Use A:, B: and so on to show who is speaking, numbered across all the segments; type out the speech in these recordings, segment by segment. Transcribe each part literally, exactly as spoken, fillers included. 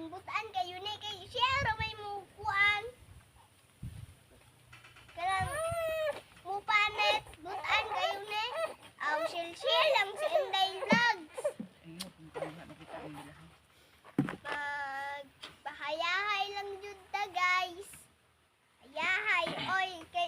A: butaan kayo ni kay siya ra may mukuan. Kanang mupanet butaan kayo ni. Aw shil shil lang si Inday Vlogs.
B: Ayun, kung kaya makita ang nila.
A: Mag bahayahay lang jud ta guys. Hayahay oy kay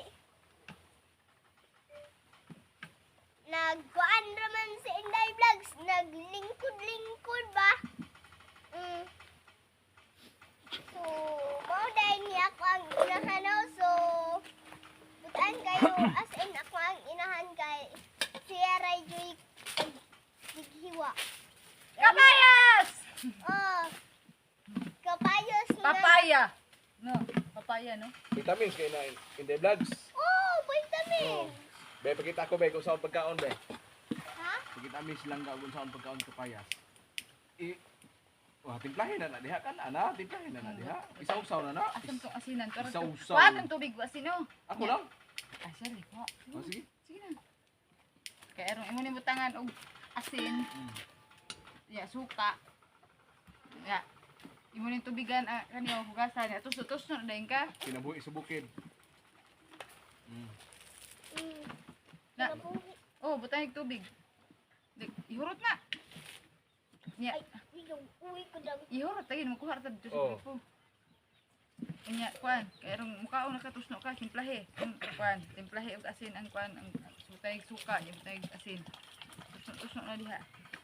A: nagkuan raman si Inday Vlogs, naglingkod-lingkod ba? Mm. So, mao dahil niya ako ang inahan no? So, butaan kayo as in ako ang inahan kay siya ray joy dighiwa.
B: Kapayas!
A: Oh. Kapayos na.
B: Papaya! No, papaya, no?
C: Vitamins kay na in the vlogs.
A: Oh, vitamin.
C: Be, pakita ko be kung saan pagkaon be.
A: Ha?
C: Pakita mi silang ga kung saan pagkaon kapayas. I Wah, timplahin na na diha kan ana, timplahin na na diha. Isaw-saw na na.
B: Asam tong asinan. Pero
C: Isaw-saw.
B: Kuha tong tubig wa sino?
C: Ako lang.
B: Ah, sorry po.
C: Oh, sige.
B: Sige na. Kaya erong imo ni butangan og asin.
C: Mm.
B: Ya, suka. Ya. Imo ni tubigan ah, kaniya hugasan. Ya, tus-tus na dayon ka.
C: Kinabuhi subukin. Mm.
A: Mm.
B: Na.
A: Nabuhi.
B: Oh, butang og tubig. Dik, ihurot na. Ya,
A: Ay, yung uwi ko daw.
B: ihurot tagin mo kuha ta dito sa
C: Oh.
B: grupo. Inya kuan, kay erong mukaon nakatusno ka timplahe. Ang kuan, timplahe og asin ang kuan ang sutay suka, yung butang og asin. Tusno-tusno na diha.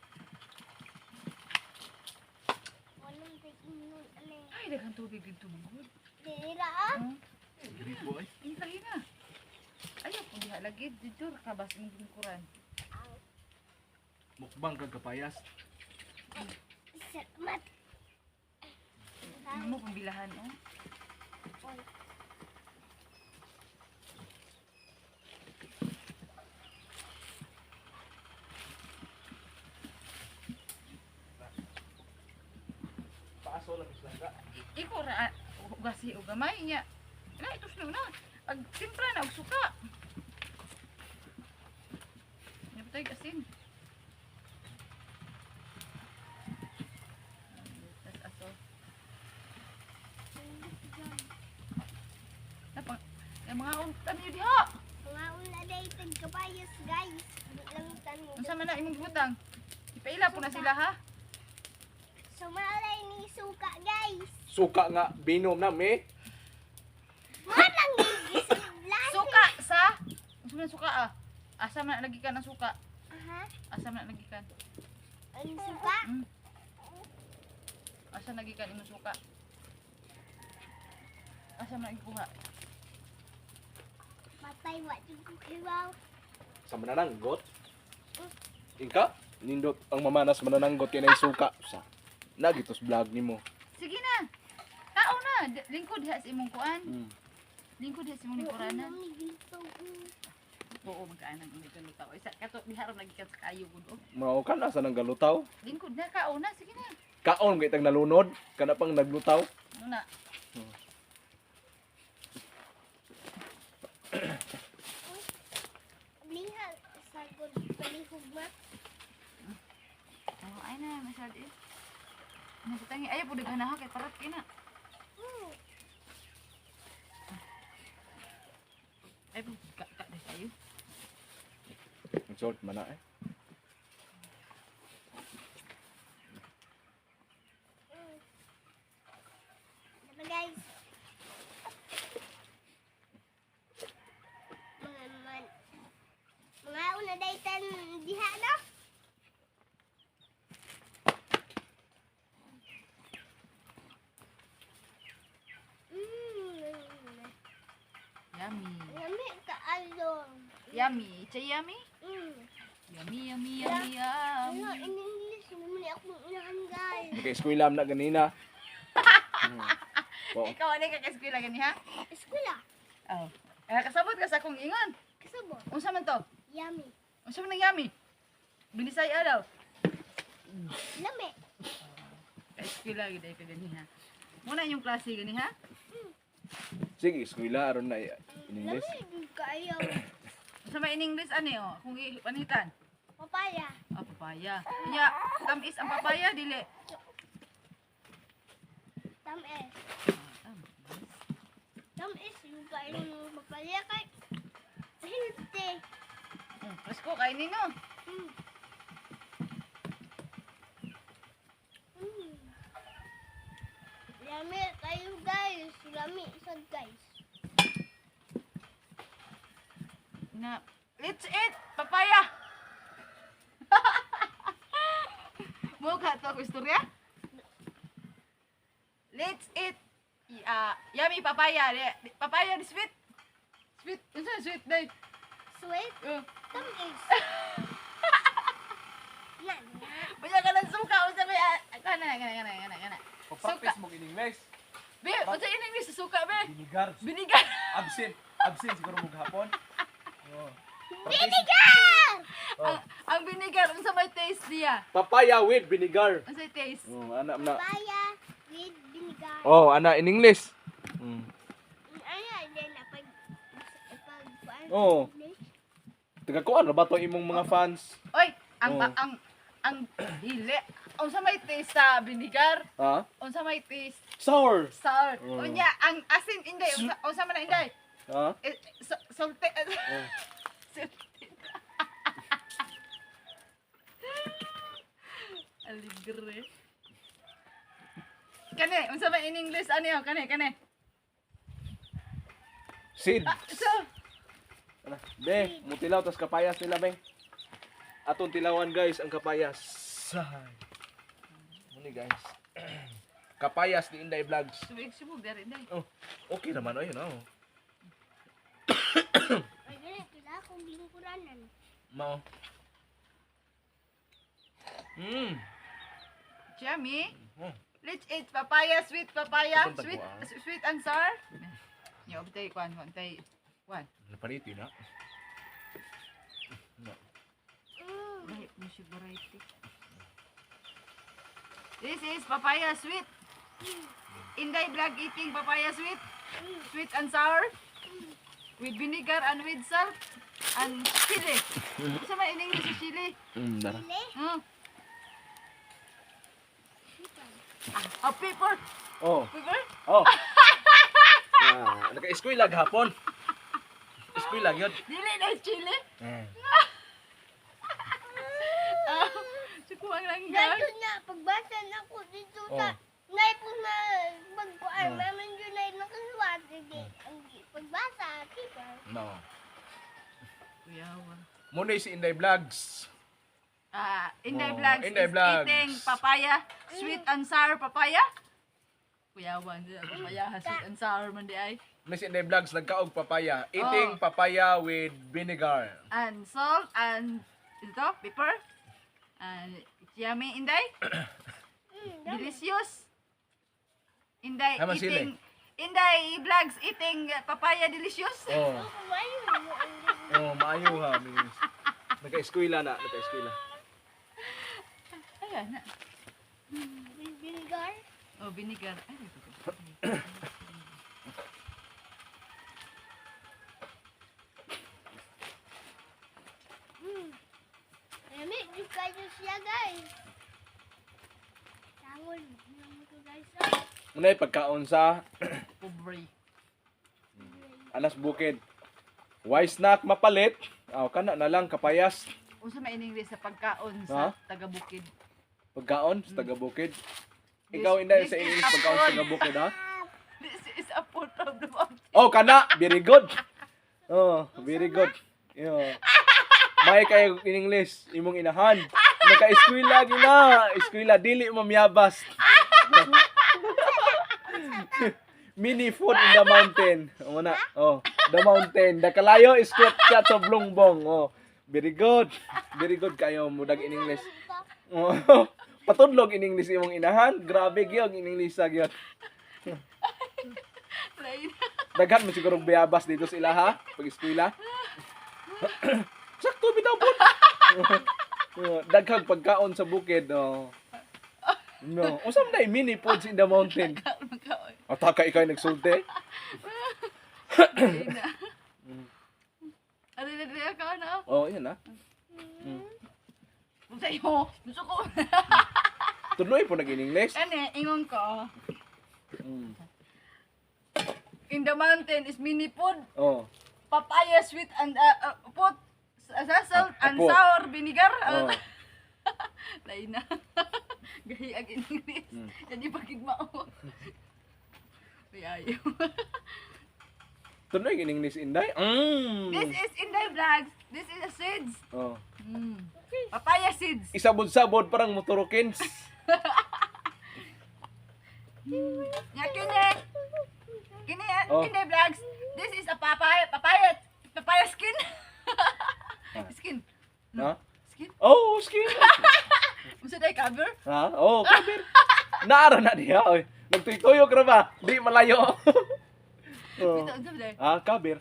A: Anong tignon ane?
B: Ay, daghang tubig dito mangod.
A: Dira ah.
B: Oh,
C: Diri po ay.
B: timplahe na. Ayaw kung diha lagi dito kabas imong lingkuran.
C: Mukbang kag kapayas.
A: Salamat.
B: Ano mo pambilahan oh?
C: Paaso lang islang ga.
B: Iko ra ugasi og gamay niya. Na itusno na. Ag timpla na og suka. Nya patay asin. Tas aso. Napang yung mga untan niyo diha.
A: Mga una day tagkabayas guys. Di lang tanong.
B: Unsa man na imong butang? Ipaila po na sila ha.
A: Sumalay ni suka guys.
C: Suka nga binom na me.
A: Walang gigisiblan.
B: Suka sa unsa man suka ah? Asa man lagi ka ng suka?
A: Aha.
B: Asa man lagi ka?
A: Ang suka.
B: Hmm. Asa lagi ka imong suka? Asa man ikuha?
A: Matay wa jud ko kiwaw.
C: Sa manananggot. Ingka, nindot ang mamanas manananggot kay nay suka sa. Nagitos vlog nimo.
B: Sige na. Tao na, D- lingkod diha sa imong kuan.
C: Mm.
B: Lingkod diha sa imong lingkuranan.
A: Mami dito.
B: Oo, magkaanan ang ito lutaw. Isa kato biharon lagi ka sa kayo gud oh.
C: Mao ka na sa nang galutaw.
B: Lingkod na kao na, sige na.
C: Kaon kay tag nalunod, kana pang naglutaw.
B: Ano na?
A: Lihal sa good palihog ma.
B: Oh, ay na, masyad eh. Ano sa tangi? Ayaw po daghanaha kay parat kina.
A: Hmm.
B: Ay po, ka ka na kayo.
C: Ang short man na eh.
A: Diba guys? Mga man. Mga una daytan diha no? Mm.
B: Yummy.
A: Yummy kaayo.
B: Yummy. Chay yummy?
A: Mm.
B: Yummy, yummy, yummy, yum.
A: Ano in English mo ni ako inahan guys.
C: Kay eskwela na ganina. Hmm. Oh.
B: Ikaw ani ka kaskwela gani ha?
A: Eskwela.
B: Oh. Eh kasabot ka sa akong ingon.
A: Kasabo.
B: Unsa man to?
A: Yummy.
B: Unsa man ang yummy? Binisay daw.
A: Lami.
B: Kaskwela gid ay ka gani ha. Muna yung klase gani ha?
C: Sige, eskwela aron na in English.
A: Lami kaayo.
B: Unsa man in English ani oh? Kung ipanitan.
A: Papaya.
B: Ah, papaya. Kanya, tamis ang papaya, dili.
A: Tamis. Tamis yung kain ng papaya kay healthy.
B: Hmm, presko kainin no.
A: Mm. Mm. Lami kayo guys. Lami sad guys.
B: Na, let's eat papaya. Mo ka to ako istorya? Let's eat uh, yummy papaya. Di- Papaya di sweet. Sweet, unsa sweet day?
A: Sweet.
B: Uh,
A: Tamis. Na na.
B: Banya ka ng suka unsa may ah, kana kana kana kana kana.
C: Pag-practice mo in English.
B: Be, unsa in English sa suka be?
C: Binigar.
B: Binigan.
C: Absent. Absent siguro mo gahapon. Oh. Practice.
A: Vinegar!
B: ang, ang binigar unsa may taste niya?
C: Papaya with vinegar.
B: Unsa taste?
C: Oh, ana na.
A: Papaya with vinegar.
C: Oh, ana in English. Mm.
A: Ano din na pag pag pag
C: Oo. Taga kuan ra ba to imong mga fans?
B: Oy, ang
C: Oh.
B: ang ang dili. Unsa may taste sa binigar?
C: Ha?
B: Unsa may taste
C: Sour.
B: sour?
C: Oh.
B: Unya, ang asin inday, unsa unsa man na inday?
C: Ha?
B: Eh, sa- Salte.
C: Oh.
B: Aligre. Kani, unsa man in English ano yun? Kani, kani.
C: Seed.
B: Ah, so,
C: Ana, be, mutilaw tas kapayas nila be. Atong tilawan guys ang kapayas. Say. Muni guys. Kapayas ni Inday Vlogs.
B: subig subog dari day.
C: Oh, okay naman ayun oh.
A: Ay ganit sila kung lingkuranan.
C: Mao. Mm.
B: Yummy.
C: Oh.
B: Let's eat papaya, sweet papaya,
C: Punta ko,
B: sweet
C: ah.
B: sweet and sour. Yo, bitay kwan, kwan tay. Kwan.
C: Napariti na. No.
A: Mm.
B: Dahil mo siya variety. This is papaya sweet. Inday vlog eating papaya sweet. Sweet and sour. With vinegar and with salt. And chili. Isa man in English sa chili.
C: Mm, dara.
A: Sili?
B: Hmm. Ah, oh, pepper.
C: Oh.
B: Pepper?
C: Oh. Ah, naka-eskwela gahapon. Eskwela gyud.
B: Dili na chili.
C: Eh.
B: Ah, sukuan lang
A: Dito
B: guys.
A: na pagbasa na ko dito
C: Oh.
A: sa nay po na magkuan
C: Oh.
A: maman yun ay nakasuwat hindi ang pagbasa kita.
C: No.
B: Kuyawa.
C: Muna si Inday Vlogs.
B: Ah, Inday
C: Oh,
B: Vlogs
C: Inday
B: is
C: Vlogs.
B: eating papaya, sweet and sour papaya. Kuyawan, di papaya, sweet and sour man di ay.
C: Muna si Inday Vlogs nagkaog papaya. Eating
B: Oh.
C: papaya with vinegar.
B: And salt and ito, pepper. And it's yummy, Inday.
A: Mm, dami.
B: Delicious. Inday
C: Tama sila
B: eating, Inday Vlogs eating uh, papaya delicious.
C: Oh.
A: Oh, kumain mo ang
C: Oh, maayo ha. Miss. Naka-eskwela na, naka-eskwela.
B: Ayan na.
A: with vinegar.
B: Oh, vinegar. Ay, ito.
A: Mm. Lami, di kayo siya guys. Tangol, naman ko guys. ah.
C: Muna pagkaon sa
B: Pobre.
C: Anas Bukid. Why snack mapalit? Aw kana na lang kapayas.
B: Unsa may in English sa pagkaon sa
C: Ha?
B: taga-bukid?
C: Pagkaon sa taga Bukid.
B: This-
C: Ikaw Inday
B: this
C: sa
B: is
C: English
B: a
C: pagkaon sa
B: food.
C: taga Bukid ha?
B: This is a food of the mountain.
C: Oh, kana, very good. Oh, very good. Yo. May kayo in English, imong inahan. Naka-eskwela gina, eskwela dili mamyabas. Mini food in the mountain. O na. Oh, the mountain. The kalayo is squat chat of longbong. Oh, very good. Very good kayo mudag in English. Oh, patudlog in English imong inahan. Grabe gyud in English sa gyud.
B: Lain.
C: Daghan mo siguro bayabas dito sa ila ha, pag eskwela. Sakto bitaw po. Daghang pagkaon sa bukid. Oh. No, usam na mini foods in the mountain.
B: Kaon kaon.
C: Ataka ikaw nagsulti.
B: Lain na. Ano na na kaon na?
C: Oh, yan na.
B: Unsa yo? Gusto ko.
C: Tuloy po nag-in English.
B: Ano, ingon ko.
C: Mm.
B: In the mountain is mini food.
C: Oh.
B: Papaya sweet and uh, uh, put sa- sa- salt
C: Ah,
B: and
C: put.
B: sour vinegar.
C: Oh.
B: Lain na. Gahi ang English.
C: Mm.
B: Yan yung pagigmao. May ayaw.
C: Tunoy in English Inday. Mm.
B: This is Inday Vlogs. This is a seeds.
C: Oh.
B: Mm. Papaya seeds.
C: Isabod-sabod parang motorokins.
B: Ya kini. Kini
C: Oh.
B: Inday Vlogs. This is a papaya papaya papaya skin.
C: Ah.
B: Skin.
C: Ha?
B: Skin.
C: Oh, skin.
B: Unsa day cover?
C: Ha? Oh, kabir. Naara na diha oy. Nagtuy-tuyok ra ba? Di malayo. Oh.
B: Ito unsa day?
C: Ah, kabir.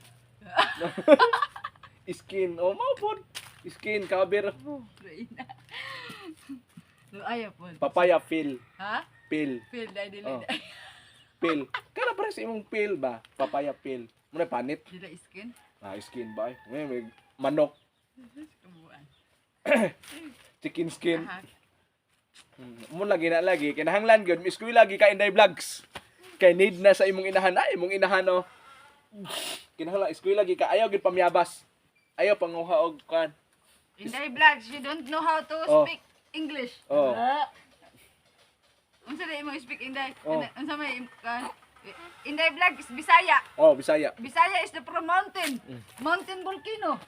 C: Skin. Oh, mao pod. Skin kabir.
B: Reina. No ayaw po.
C: Papaya peel.
B: Ha?
C: Peel.
B: Feel day dili.
C: Oh. Peel. Kana pare sa imong peel ba? Papaya peel. Muna panit.
B: Dili skin.
C: Ah, skin ba? May, may manok.
B: Kumuan.
C: Chicken skin.
B: Aha.
C: Hmm. Mo lagi na lagi kinahanglan gyud miss ko lagi ka Inday Vlogs. Kay need na sa imong inahan ay imong inahan oh. Kinahanglan iskoy lagi ka ayaw gid pamyabas. Ayaw panguha og kan.
B: Inday Vlogs, you don't know how to
C: Oh.
B: speak English.
C: Oh.
B: Ah. Unsa day mo speak Inday?
C: Oh.
B: Unsa may kan? Inday Vlog is Bisaya.
C: Oh, Bisaya.
B: Bisaya is the from mountain.
C: Mm.
B: Mountain volcano.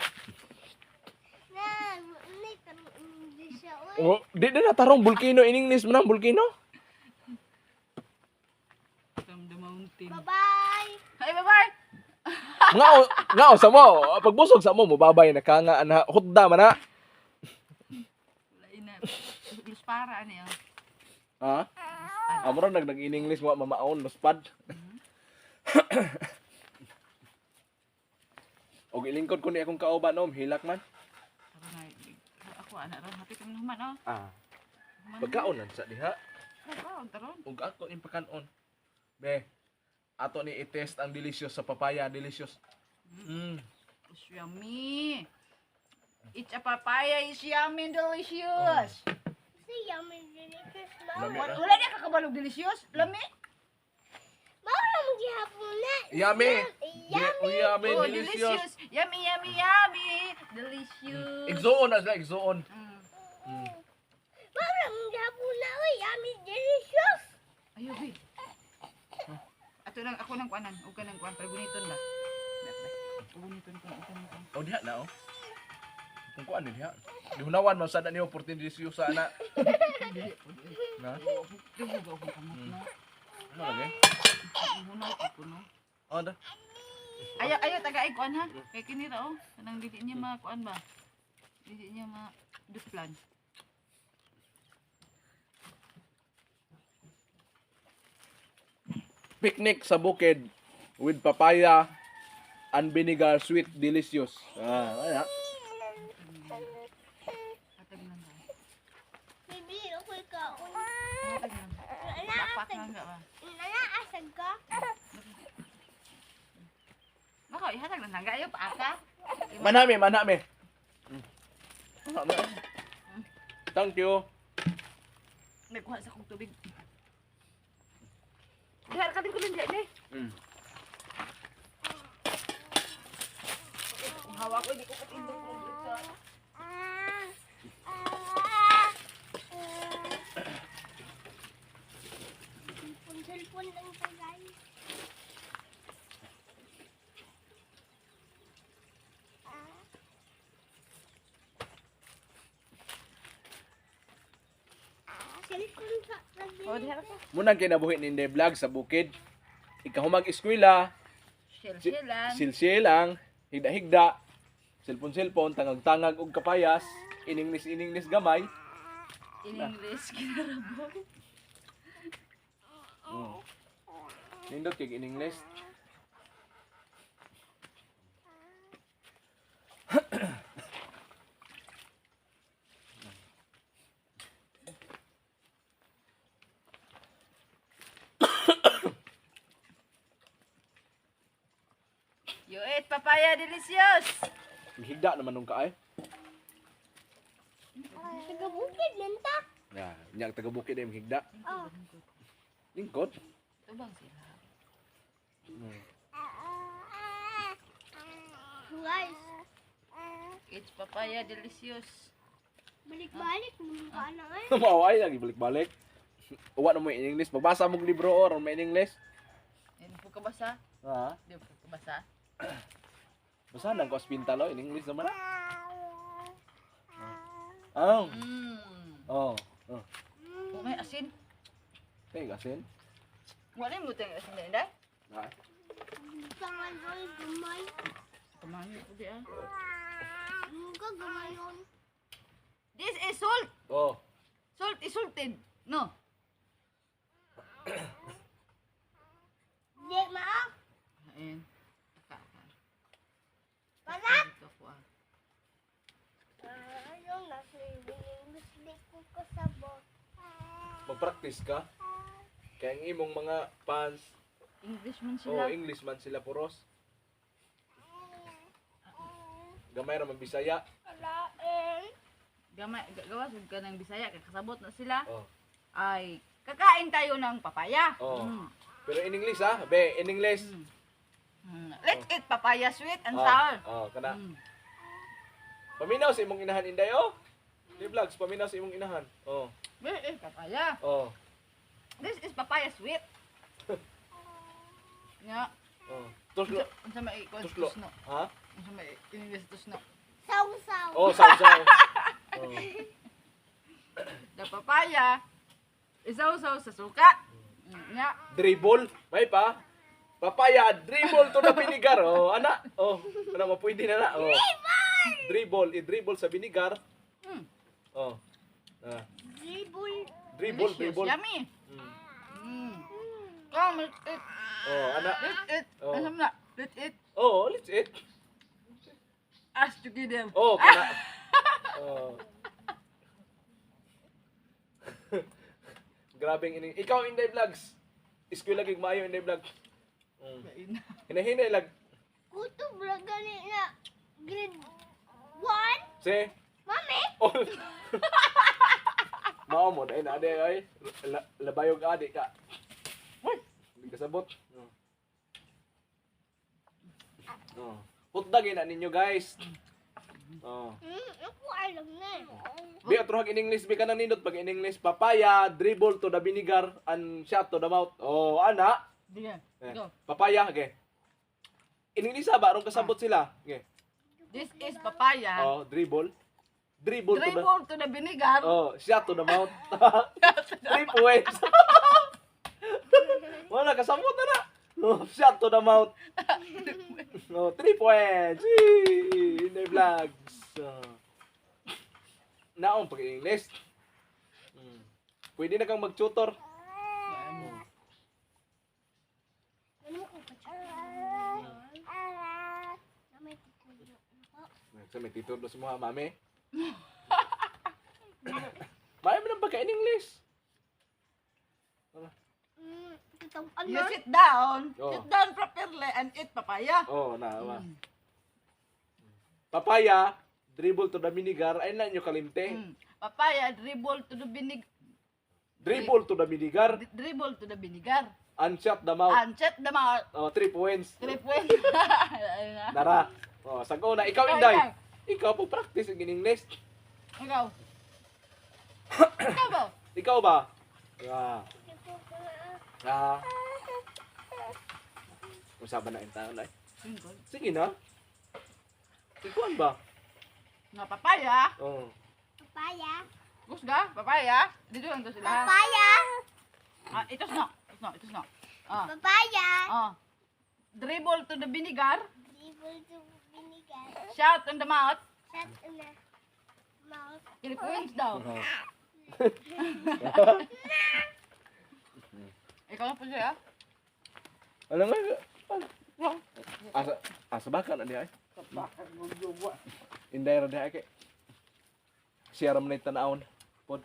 A: Na, ni tarong English siya, oy.
C: Oh, di na natarong volcano in English man ang volcano.
B: From the mountain.
A: Bye-bye.
B: Hi, bye-bye.
C: Ngao, ngao sa mo. Pagbusog sa mo mobabay na ka nga ana hutda man na.
B: Lain na. Lus para ano yan.
C: Ha? Amro nag nag in English wa mamaon luspad. Og ilingkod ko ni akong kauban om hilak man.
B: Tara na. Ako ana ra hapit ang naman oh.
C: Ah, pagkaon lang sa diha.
B: Wow, taron.
C: Ug ako in pakanon. Be, ato ni i-test ang delicious sa papaya, delicious. Mm.
B: It's yummy. It's a papaya. It's yummy and delicious.
A: Si yummy delicious na.
C: Lami
B: Wala,
C: na.
B: wala na kakabalog delicious. Lami.
A: Mawala mo gihapon na.
C: Yummy.
A: Yummy.
C: Oh, yummy,
B: Oh,
C: delicious.
B: delicious. Yummy, yummy, yummy. Delicious.
C: Exoon as like exoon.
B: Mm.
C: Mm.
A: Mawala mo gihapon na, oy. Yummy delicious.
B: Ayaw, be. Ato lang, ako nang kuanan. Huwag ka nang kuan. Pero buniton ba? Buniton ko. Huwag ka nang kuan.
C: Oh, diha na oh. Kung kuan din diha. Di hunawan man sada ni opportunity delicious sa ana.
B: Dili po, dili.
C: Na.
B: Dugo ba akong kamot na?
C: Ano lagi?
B: Hunaw ko po, no?
C: Oh, da.
B: Ayaw, ayaw, taga-ay kuan ha. Kaya kinira, oh. Kanang dili niya makuan ba? Dili niya ma-duplan.
C: Picnic sa bukid with papaya and vinegar, sweet, delicious. Ah, wala.
B: Hatag lang ba?
A: Bibi, ako'y kaon.
B: Hatag lang. Backpack lang ka ba?
A: Nanaasag ka?
B: Baka, ihatag lang lang. Ayaw, paaka.
C: Manami, manami. Manami. Thank you.
B: May kuha sa kong tubig. Dihar ka din ko lang dyan eh.
C: Mm.
B: Kung hawa ko, hindi ko katindog ko dito.
A: Ah. Ah. Cellphone lang to, guys. Ah. Cellphone sa
B: Oh, dihar ka.
C: Munang kinabuhi ni Inday Vlog sa bukid. Ikahumag eskwela,
B: Shell-shell lang.
C: silsil lang, higda-higda, cellphone-cellphone, tangag-tangag og kapayas, iningnis-iningnis gamay.
B: In English, kinarabog.
C: Mm. Nindot kay iningnis.
B: You eat papaya delicious.
C: Higda naman nung kaay.
A: taga bukid lang ta.
C: Ya, nyang taga bukid ay higda.
A: Oh.
C: Lingkod.
B: Ubang sila.
C: Mm.
A: Guys,
B: It's papaya delicious.
A: balik-balik naman ka na eh.
C: Maway lagi balik-balik. Uwa na mo in English. Magbasa mong libro or may in English.
B: Hindi po ka basa?
C: Ha?
B: Hindi po ka basa?
C: Basa nang ko hospital in English naman na. Oh.
B: Mm.
C: Oh. Oh.
B: Kung may asin.
C: Kay gasin.
B: Wala mo tayong asin na inday?
C: Ha?
A: Tangan oy, gamay.
B: Kumain ko di ah.
A: Muga gamay yun.
B: This is salt.
C: Oh.
B: Salt is salted. No.
A: Di maa.
B: Ayan. Kaka.
A: Panak.
B: Ito ko ah.
A: Ano na swimming? Gusto ko kasabot.
C: Mag-practice ka. Kaya ang imong mga fans,
B: English man
C: oh,
B: sila.
C: English man sila puros. Gamay ra man Bisaya.
A: Alain.
B: Gamay, ga- gawas ka ng Bisaya, kakasabot na sila.
C: Oh.
B: Ay, kakain tayo ng papaya.
C: Oh.
B: Mm.
C: Pero in English ha, be, in English.
B: Mm. Mm. Let's eat papaya sweet and
C: Oh,
B: sour.
C: oh, kana.
B: Mm.
C: Paminaw sa imong inahan inday oh. Di vlogs, paminaw sa imong inahan. Oh.
B: Let's eat papaya.
C: Oh.
B: This is papaya sweet. Nga.
C: Oh. Tuslo.
B: Unsa may ikon
C: Tuslo.
B: tusno.
C: Ha?
B: Unsa may English tusno.
A: Saw-saw.
C: Oh, saw-saw. Oh.
B: The papaya isaw-saw sa suka. Mm, Nga.
C: Dribble, may pa. Papaya, dribble to the vinegar. Oh, ana. Oh, ana mo pwede na na. Oh. Dribble, i-dribble sa vinegar.
B: Mm.
C: Oh. Ah.
A: Dribble.
C: Dribble,
B: Delicious.
C: dribble.
B: Yummy.
C: Mm.
B: Mm. Come, let's eat.
C: Oh, ana.
B: Let's eat.
C: Oh.
B: Ano na? Let's eat.
C: Oh, let's eat.
B: As together.
C: Oh, kana. Oh. Grabing ining. Ikaw Inday Vlogs. Eskwela gig maayo Inday Vlog. Mm.
B: Kain.
C: Hinahinay lag.
A: Kuto bra gani na grade one.
C: Si.
A: Mami.
C: Oh. Mao mo dai na ade ay. La- Labayog adi ka. Hoy, hindi ka sabot. Oh. Oh. Hutdagin na ninyo guys. Oh.
A: Hmm, ako alam na.
C: Bi atrohag in English bi kanang nindot pag in English papaya dribble to the vinegar and shot to the mouth. Oh, ana.
B: Diyan.
C: Eh,
B: Go.
C: papaya okay. In English ba aron kasabot sila? Okay.
B: This is papaya.
C: Oh, dribble. Dribble, to the
B: Dribble to the vinegar.
C: Oh, shot to the mouth. Three points. Wala kasabot na na. Oh, shot to the mouth. Oh, three points. Yee! In the vlogs. Oh. Naon pag English. Hmm. Pwede na kang mag-tutor.
A: Ano ko pa na may titulo ako.
C: Sa may tutor do semua mami. Mami mo nang pagka in English.
A: Hmm, kitang
B: You
A: ano?
B: sit down.
C: Oh.
B: Sit down properly and eat papaya.
C: Oh, na ma.
B: Mm.
C: Papaya, dribble to the vinegar, ay na nyo kalimte.
B: Mm. Papaya, dribble to the vinegar.
C: Dribble to the vinegar,
B: Dribble to the vinegar.
C: and shut the mouth.
B: And set the mouth.
C: Oh, three points.
B: Three points. Ayun na.
C: Dara. Oh, sago na. Ikaw,
B: Ikaw,
C: Inday.
B: ikaw.
C: Ikaw po practice in English.
B: Ikaw. Ikaw ba?
C: Ikaw ba? Ah.
A: Ito ko na.
C: Ah. Usaban na yung taon na.
B: Single.
C: Sige na. Ikuan ba?
B: Nga papaya.
C: Oh.
A: Papaya.
B: Gusga, papaya. Dito lang to sila.
A: Papaya.
B: Ah, ito na. Ito na, ito na. Ah.
A: Papaya.
B: Ah. Dribble to the vinegar.
A: Dribble to vinegar.
B: Shout in the mouth.
A: Shut in the mouth.
B: Three points daw. Ikaw na po siya.
C: Ano nga? Asa, asa baka na diya ay? Inday ra diya ay kay. Siya ram na yung tanawon. Pod.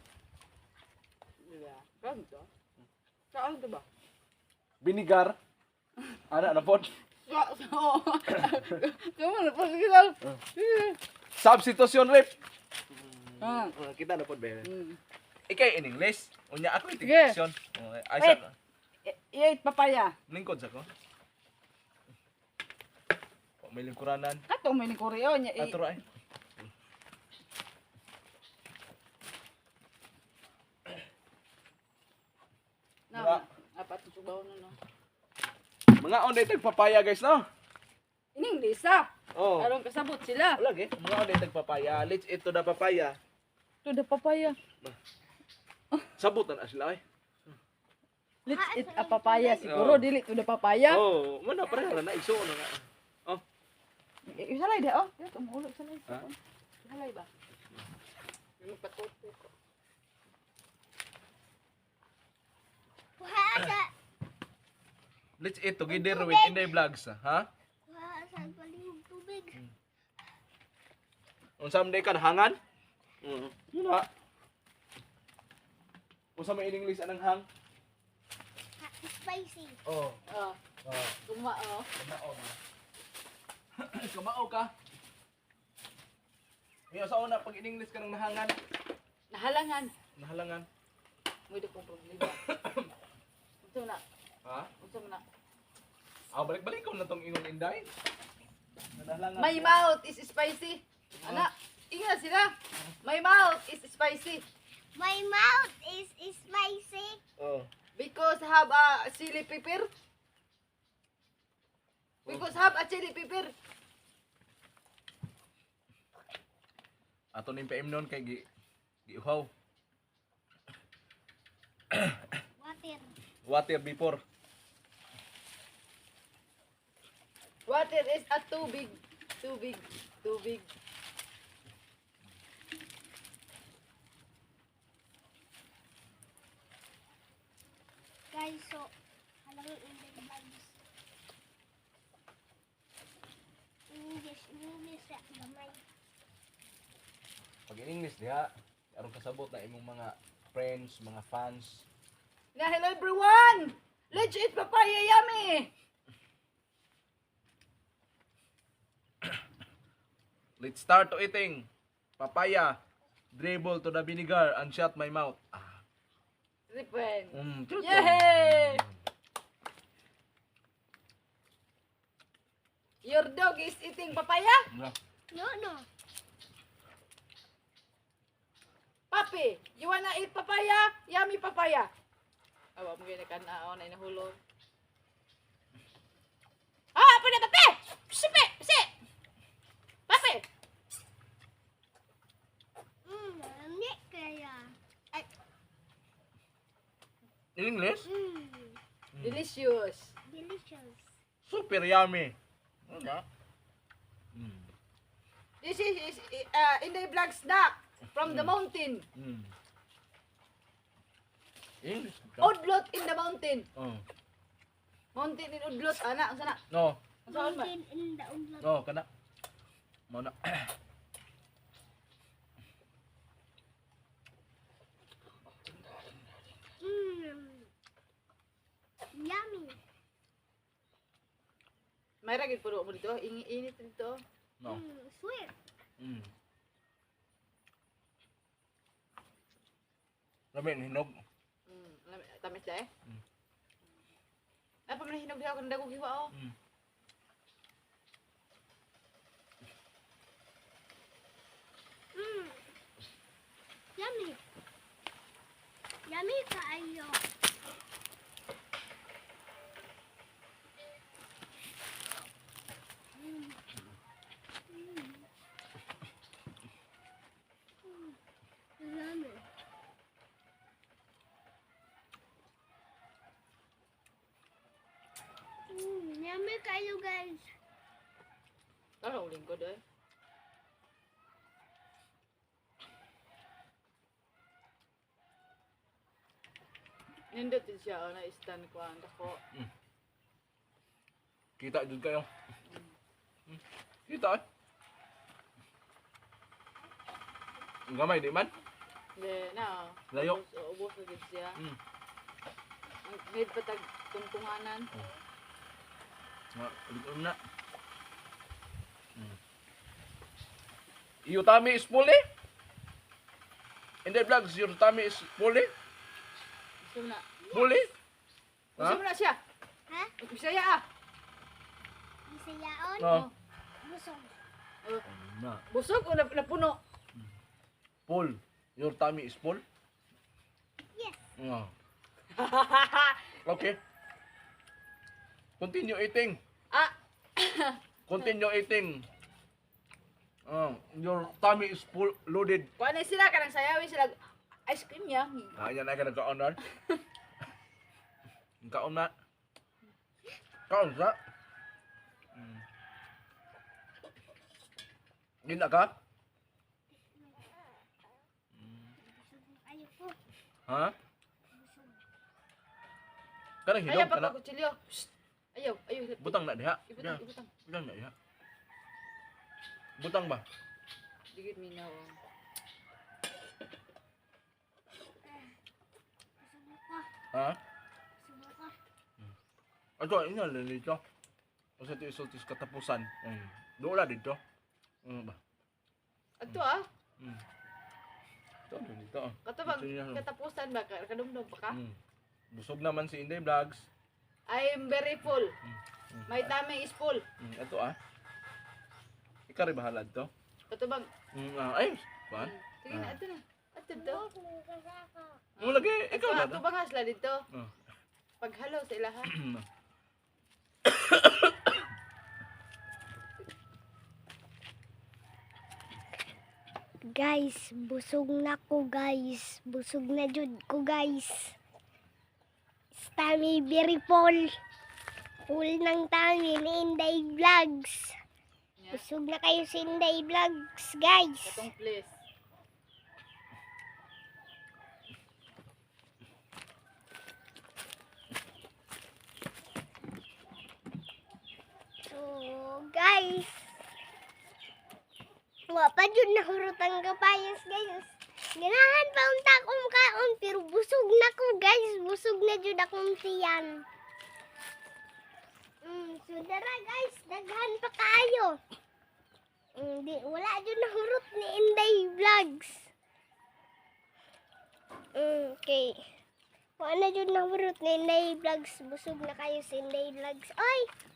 B: Ganto. Saan ito ba?
C: Vinegar. Ana na pod.
B: Sa, sa, oo. Kamu na po, sige lang.
C: Substitution rep.
B: Ah.
C: Uh, kita na pod ba?
B: Mm.
C: Ikay in English. Unya ako yung
B: Sige.
C: diction. Oh, ay
B: Wait.
C: sa.
B: i-eat papaya.
C: Lingkod sa ko. O, may lingkuranan.
B: Kato mo ni Koreo niya. i-
C: Ato ay.
B: Na, apat na subaw na no.
C: Mga on day papaya guys no.
B: Ining lisa.
C: Oh.
B: Aron kasabot sila.
C: Wala gid. Mga on day papaya. Let's eat to the papaya.
B: To the papaya.
C: Sabot na na sila ay.
B: Let's eat a papaya. Siguro
C: Oh.
B: dili to the papaya.
C: Oh, muna pareha na iso na nga. Oh.
B: Eh, Salay da oh. Dito mahulog salay.
C: Ha?
B: Salay ba? Yung patuto ko.
A: Wasa.
C: Let's eat together with Inday Vlogs, ha?
A: Wasa palihog tubig.
C: Unsa man day ka hangan? Mm. Muna. Unsa man in English anang hang?
A: Ha, spicy.
C: Oh.
B: Ah,
C: Oh.
B: tuma oh.
C: Kamao na. Kamao ka. Ngayon sa una pag in English ka nang nahangan,
B: Nahalangan.
C: nahalangan.
B: Mo di kong problema. Ito na.
C: Ha?
B: Ito na.
C: Ah, balik-balik ko na tong ingon Inday. Nahalangan.
B: My mouth is spicy. Ana, ingat sila. My mouth is spicy
A: My mouth is, is spicy.
C: Oh.
B: because have a chili pepper. Because have a chili pepper.
C: Ato ning P M noon kay gi giuhaw.
A: Water.
C: Water before.
B: Water is a too big, too big, too big.
A: Guys, so, alam mo in the bags. English, English, sa gamay.
C: Pag in English diha, aron kasabot na imong mga friends, mga fans.
B: Na hello everyone. Let's eat papaya yummy.
C: Let's start to eating. Papaya, dribble to the vinegar and shut my mouth. Ah.
B: Ripen.
C: Mm,
B: Yay! Your dog is eating papaya?
A: No, no.
B: Papi, you wanna eat papaya? Yummy papaya. Awa mo gina ka na na inahulog. Ah, apa na papi? Sipi, si. Papi.
A: Mm, hindi kaya. Ay,
C: In English,
A: mm,
B: Delicious.
A: delicious.
C: super yummy. Ano? Mm.
B: This is, is uh, in the black snack from the mountain.
C: Mm. English.
B: Udlot in the mountain.
C: Oh.
B: Mountain in Udlot. Ana, ang sana.
C: No,
B: Saan ba?
A: Mountain in the umlaut.
C: no, kana. Mo na.
A: Mm. Yummy.
B: May ragid puro mo dito. Ingi-init dito.
C: No.
A: Mm, sweet.
C: Mm. Lamin hinog.
B: Mm, lami- tamis na eh.
C: Mm.
B: Ay, pag nahinog diha ako ng dagog hiwa oh.
C: Mm.
A: Mm. Yummy. Yummy kaayo. Mm. Mm. Mm. Yummy. Mm, yummy kayo guys.
B: Ano uling ko doon? Nindot din siya oh, na stand ko ang dako.
C: Kita jud kayo. Mm. Kita eh. Ang gamay di man.
B: Hindi, na.
C: Layo.
B: Ubos, ubos na din siya.
C: Mm.
B: Ang need pa tag tungtunganan.
C: Nga, ulit na. Mm. Your tummy is full eh? In the vlogs, your tummy is full eh?
B: Gusto na.
C: Full eh?
B: Gusto mo na siya?
A: Ha?
B: Bisaya ah.
A: Bisayaon?
C: No.
A: Busog.
B: Oh,
C: Na.
B: busog o nap- napuno?
C: Full. Your tummy is full?
A: Yes.
C: No. Okay. Continue eating.
B: Ah,
C: Continue eating. Uh, your tummy is full, loaded.
B: kuha na sila, kanang sayawin sila. Ice cream niya.
C: Ah, yan ay ka nagkaon na. Kaon na. Kaon sa. Mm. Gina ka?
A: Ayoko.
C: Ha? Kanang
B: Ayaw
C: hilom
B: pa
C: kana.
B: ko kutsilyo. Shh. Ayaw, ayaw.
C: Butang na diha.
B: Ibutang,
C: Diha.
B: ibutang.
C: Butang na diha. Butang ba?
B: Digit minaw.
A: Busog ako.
C: Ha?
A: Busog ako.
C: Ato, ina lang dito. Kasi ito isultis katapusan. Mm. Doon na dito. Ano ba?
B: Ato ah.
C: Mm. Ito lang dito. ah.
B: Katubang
C: Ito niya, no?
B: katapusan ba? Ka- Kadumdum pa ka?
C: Mm. Busog naman si Inday Vlogs.
B: I am very full.
C: Mm. Mm.
B: My tummy is full.
C: Mm. Ito ah. Ikaw rin bahala dito.
B: Katubang.
C: Mm. Ah, ayos. Kuan?
B: Sige na,
C: Ah.
B: ato na. Ato to.
C: Mo lagi. Ikaw na
B: Ato
C: to.
B: ba nga sila dito?
C: Ah.
B: Paghalo sa ilaha.
A: Guys, busog na ko guys. Busog na jud ko guys. Tummy very full. Full ng tummy ni Inday Vlogs.
B: Yeah.
A: Busog na kayo si Inday Vlogs guys.
B: Katong please.
A: So guys. Wa pa jud nahurot ang kapayas guys. Ganahan pa unta akong kaon pero busog na ko guys. Busog na jud akong tiyan. Mm, so dara guys, daghan pa kayo. Mm, di, wala jud nahurot ni Inday Vlogs. Mm, okay. Wala jud nahurot ni Inday Vlogs. Busog na kayo si Inday Vlogs. Oy!